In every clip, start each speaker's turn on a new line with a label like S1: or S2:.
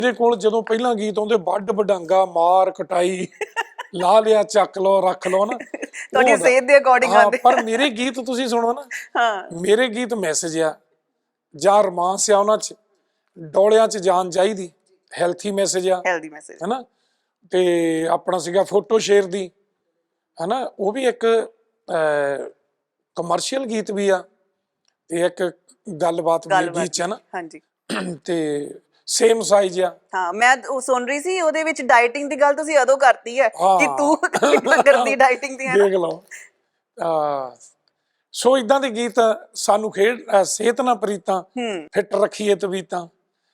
S1: ਮੇਰੇ ਕੋਲ ਜਦੋਂ ਪਹਿਲਾਂ ਗੀਤ ਆਉਂਦੇ ਵੱਡ ਵਡਾਂਗਾ ਮਾਰ ਕਟਾਈ ਲਾ ਲਿਆ ਚੱਕ ਲਓ ਰੱਖ ਲਓ ਨਾ
S2: ਤੁਹਾਡੀ ਸਿਹਤ ਦੇ ਅਕੋਰਡਿੰਗ ਆਉਂਦੇ।
S1: ਪਰ ਮੇਰੇ ਗੀਤ ਤੁਸੀਂ ਸੁਣੋ ਨਾ, ਮੇਰੇ ਗੀਤ ਮੈਸੇਜ ਆ ਜਾਂ ਰੋਮਾਂਸ ਆ, ਉਹਨਾਂ 'ਚ ਡੋਲਿਆਂ 'ਚ ਜਾਨ ਚਾਹੀਦੀ, ਹੈਲਥੀ ਮੈਸੇਜ ਆ,
S2: ਹੈਲਦੀ ਮੈਸੇਜ
S1: ਹੈਨਾ। ਤੇ ਆਪਣਾ ਸੀਗਾ ਫੋਟੋ ਸ਼ੇਅਰ ਦੀ, ਹੈਨਾ, ਉਹ ਵੀ ਇੱਕ ਕਮਰਸ਼ੀਅਲ ਗੀਤ ਵੀ ਆ ਤੇ ਇੱਕ ਗੱਲਬਾਤ ਵੀ ਗੀਤ 'ਚ, ਹੈ ਨਾ।
S2: ਹਾਂਜੀ।
S1: ਤੇ ਸੇਮ ਸਾਈਜ਼ ਆ।
S2: ਹਾਂ, ਮੈਂ ਉਹ ਸੁਣ ਰਹੀ ਸੀ, ਉਹਦੇ ਵਿੱਚ ਡਾਈਟਿੰਗ ਦੀ ਗੱਲ ਤੁਸੀਂ ਉਦੋਂ ਕਰਤੀ ਹੈ ਕਿ ਤੂੰ ਕਰਦੀ ਡਾਈਟਿੰਗ ਦੀ, ਹੈ ਨਾ।
S1: ਦੇਖ ਲਓ। ਸੋ ਇਦਾਂ ਦੇ ਗੀਤ ਸਾਨੂੰ ਸਿਹਤ ਨਾਲ ਪ੍ਰੀਤਾਂ, ਫਿੱਟ ਰੱਖੀਏ ਤਵੀਤਾਂ,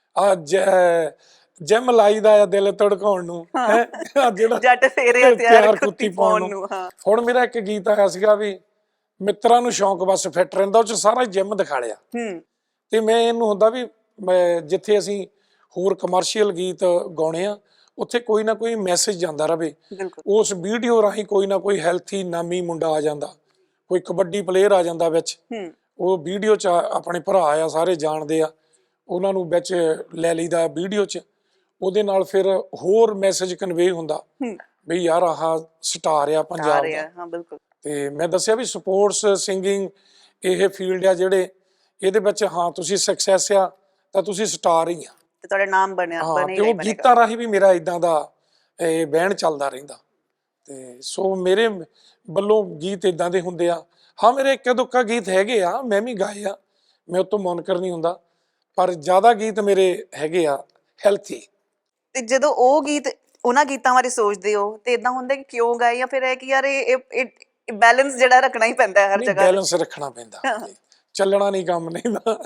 S1: ਜਿਮ ਲਾਈਦਾ ਆ ਦਿਲ ਧੜਕਾਉਣ ਨੂੰ,
S2: ਜਿਹੜਾ ਜੱਟ ਫੇਰੇ ਤਿਆਰ ਕੁੱਤੀ ਪਾਉਣ ਨੂੰ।
S1: ਹੁਣ ਮੇਰਾ ਇੱਕ ਗੀਤ ਆਇਆ ਸੀਗਾ ਵੀ ਮਿੱਤਰਾਂ ਨੂੰ ਸ਼ੌਂਕ ਬਸ ਫਿੱਟ ਰਹਿੰਦਾ, ਉਹ 'ਚ ਸਾਰਾ ਜਿਮ ਦਿਖਾ ਲਿਆ। ਤੇ ਮੈਂ ਇਹਨੂੰ ਹੁੰਦਾ ਵੀ ਜਿੱਥੇ ਅਸੀਂ ਹੋਰ ਕਮਰਸ਼ੀਅਲ ਗੀਤ ਗਾਉਣੇ ਆ, ਉੱਥੇ ਕੋਈ ਨਾ ਕੋਈ ਮੈਸੇਜ ਜਾਂਦਾ ਰਵੇ। ਉਸ ਵੀਡੀਓ ਰਾਹੀਂ ਕੋਈ ਨਾ ਕੋਈ ਹੈਲਥੀ ਨਾਮੀ ਮੁੰਡਾ ਆ ਜਾਂਦਾ, ਕੋਈ ਕਬੱਡੀ ਪਲੇਅਰ ਆ ਜਾਂਦਾ ਵਿੱਚ, ਉਹ ਵੀਡੀਓ 'ਚ ਆਪਣੇ ਭਰਾ ਆ, ਸਾਰੇ ਜਾਣਦੇ ਆ, ਉਹਨਾਂ ਨੂੰ ਵਿੱਚ ਲੈ ਲਈਦਾ ਵੀਡੀਓ 'ਚ। ਉਹਦੇ ਨਾਲ ਫਿਰ ਹੋਰ ਮੈਸੇਜ ਕਨਵੇ ਹੁੰਦਾ ਵੀ ਯਾਰ ਆਹ ਸਟਾਰ ਆ ਪੰਜਾਬ ਦਾ। ਤੇ ਮੈਂ ਦੱਸਿਆ ਵੀ ਸਪੋਰਟਸ ਸਿੰਗਿੰਗ ਇਹ ਫੀਲਡ ਆ ਜਿਹੜੇ ਇਹਦੇ ਵਿੱਚ, ਹਾਂ ਤੁਸੀਂ ਸਕਸੈਸ ਆ ਤਾਂ ਤੁਸੀਂ ਸਟਾਰ ਹੀ ਆ,
S2: ਤੇ ਤੁਹਾਡਾ ਨਾਮ ਬਣਿਆ।
S1: ਤੇ ਉਹ ਗੀਤਾਂ ਰਾਹੀਂ ਵੀ ਮੇਰਾ ਇਦਾਂ ਦਾ ਬਹਿਣ ਚੱਲਦਾ ਰਹਿੰਦਾ। ਤੇ ਸੋ ਮੇਰੇ ਵੱਲੋਂ ਗੀਤ ਇਦਾਂ ਦੇ ਹੁੰਦੇ ਆ। ਹਾਂ, ਮੇਰੇ ਇੱਕਾ ਦੁੱਕਾ ਗੀਤ ਹੈਗੇ ਆ, ਮੈਂ ਵੀ ਗਾਏ ਆ, ਮੈਂ ਉਤੋਂ ਮੁਨਕਰ ਨਹੀਂ ਹੁੰਦਾ, ਪਰ ਜ਼ਿਆਦਾ ਗੀਤ ਮੇਰੇ ਹੈਗੇ ਆ ਹੈਲਥੀ।
S2: ਤੇ ਜਦੋਂ ਉਹ ਗੀਤ, ਉਹਨਾਂ ਗੀਤਾਂ ਬਾਰੇ ਸੋਚਦੇ ਹੋ ਤੇ ਇਦਾਂ ਹੁੰਦਾ ਕਿ ਕਿਉਂ ਗਾਏ, ਜਾਂ ਫਿਰ ਇਹ ਕਿ ਯਾਰ ਇਹ ਬੈਲੈਂਸ ਜਿਹੜਾ ਰੱਖਣਾ ਹੀ ਪੈਂਦਾ ਹਰ ਜਗ੍ਹਾ।
S1: ਬੈਲੈਂਸ ਰੱਖਣਾ ਪੈਂਦਾ, ਚੱਲਣਾ ਨਹੀਂ ਕੰਮ ਨਹੀਂ ਨਾ।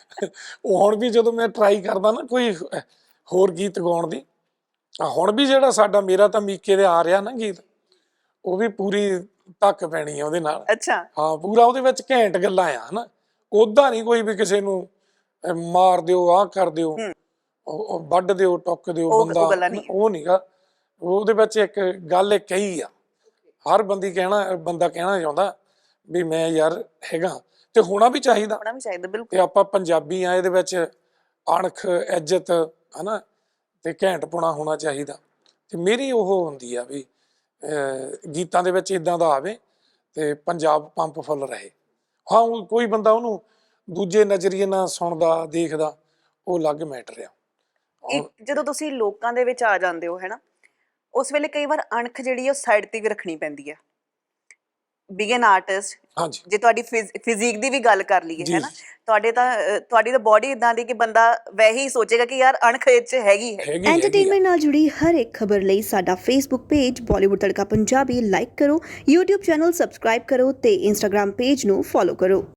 S1: ਉਹ ਹੁਣ ਵੀ ਜਦੋਂ ਮੈਂ ਟਰਾਈ ਕਰਦਾ ਨਾ ਕੋਈ ਹੋਰ ਗੀਤ ਗਾਉਣ ਦੀ, ਹੁਣ ਵੀ ਜਿਹੜਾ ਸਾਡਾ ਮੇਰਾ ਤਾਂ ਮੀਕੇ ਦੇ ਆ ਰਿਹਾ ਨਾ ਗੀਤ, ਉਹ ਵੀ ਪੂਰੀ ਧੱਕ ਪੈਣੀ ਆ ਉਹਦੇ ਨਾਲ।
S2: ਅੱਛਾ।
S1: ਹਾਂ, ਪੂਰਾ ਉਹਦੇ ਵਿੱਚ ਘੈਂਟ ਗੱਲਾਂ ਆ, ਹਨਾ। ਓਦਾਂ ਨਹੀਂ ਕੋਈ ਵੀ ਕਿਸੇ ਨੂੰ ਮਾਰ ਦਿਓ, ਆਹ ਕਰ ਦਿਓ, ਵੱਢ ਦਿਓ, ਟੁੱਕ ਦਿਓ ਬੰਦਾ, ਉਹ ਨਹੀਂਗਾ। ਉਹਦੇ ਵਿੱਚ ਇੱਕ ਗੱਲ ਇੱਕ ਕਹੀ ਆ, ਹਰ ਬੰਦਾ ਕਹਿਣਾ ਚਾਹੁੰਦਾ ਵੀ ਮੈਂ ਯਾਰ ਹੈਗਾ, ਤੇ ਹੋਣਾ ਵੀ ਚਾਹੀਦਾ। ਤੇ ਆਪਾਂ ਪੰਜਾਬੀ ਆ, ਇਹਦੇ ਵਿੱਚ ਅਣਖ ਇੱਜ਼ਤ, ਹਨਾ, ਤੇ ਘੈਂਟਪੁਣਾ ਹੋਣਾ ਚਾਹੀਦਾ। ਤੇ ਮੇਰੀ ਉਹ ਹੁੰਦੀ ਆ ਵੀ ਗੀਤਾਂ ਦੇ ਵਿੱਚ ਇਦਾਂ ਦਾ ਆਵੇ ਤੇ ਪੰਜਾਬ ਪੰਪ ਫੁੱਲ ਰਹੇ। ਹਾਂ, ਕੋਈ ਬੰਦਾ ਉਹਨੂੰ ਦੂਜੇ ਨਜ਼ਰੀਏ ਨਾਲ ਸੁਣਦਾ ਦੇਖਦਾ, ਉਹ ਅਲੱਗ ਮੈਟਰ ਆ।
S2: ਜਦੋਂ ਤੁਸੀਂ ਲੋਕਾਂ ਦੇ ਵਿੱਚ ਆ ਜਾਂਦੇ ਹੋ, ਹੈਨਾ, ਉਸ ਵੇਲੇ ਕਈ ਵਾਰ ਅਣਖ ਜਿਹੜੀ ਉਹ ਸਾਈਡ ਤੇ ਵੀ ਰੱਖਣੀ ਪੈਂਦੀ ਹੈ। ਬੀਇੰਗ ਐਨ ਆਰਟਿਸਟ, ਜੇ ਤੁਹਾਡੀ ਫਿਜ਼ੀਕ ਦੀ ਵੀ ਗੱਲ ਕਰ ਲਈਏ, ਹੈਨਾ, ਤੁਹਾਡੀ ਤਾਂ ਬੋਡੀ ਇਦਾਂ ਦੀ ਕਿ ਬੰਦਾ ਵੈਸੇ ਹੀ ਸੋਚੇਗਾ ਕਿ ਯਾਰ ਅਣਖ ਇਹ 'ਚ ਹੈਗੀ ਹੈ।
S3: ਐਂਟਰਟੇਨਮੈਂਟ ਨਾਲ ਜੁੜੀ ਹਰ ਇੱਕ ਖਬਰ ਲਈ ਸਾਡਾ Facebook page Bollywood Tadka Punjabi like ਕਰੋ, YouTube ਚੈਨਲ ਸਬਸਕ੍ਰਾਈਬ ਕਰੋ ਤੇ Instagram ਪੇਜ ਨੂੰ ਫੋਲੋ ਕਰੋ।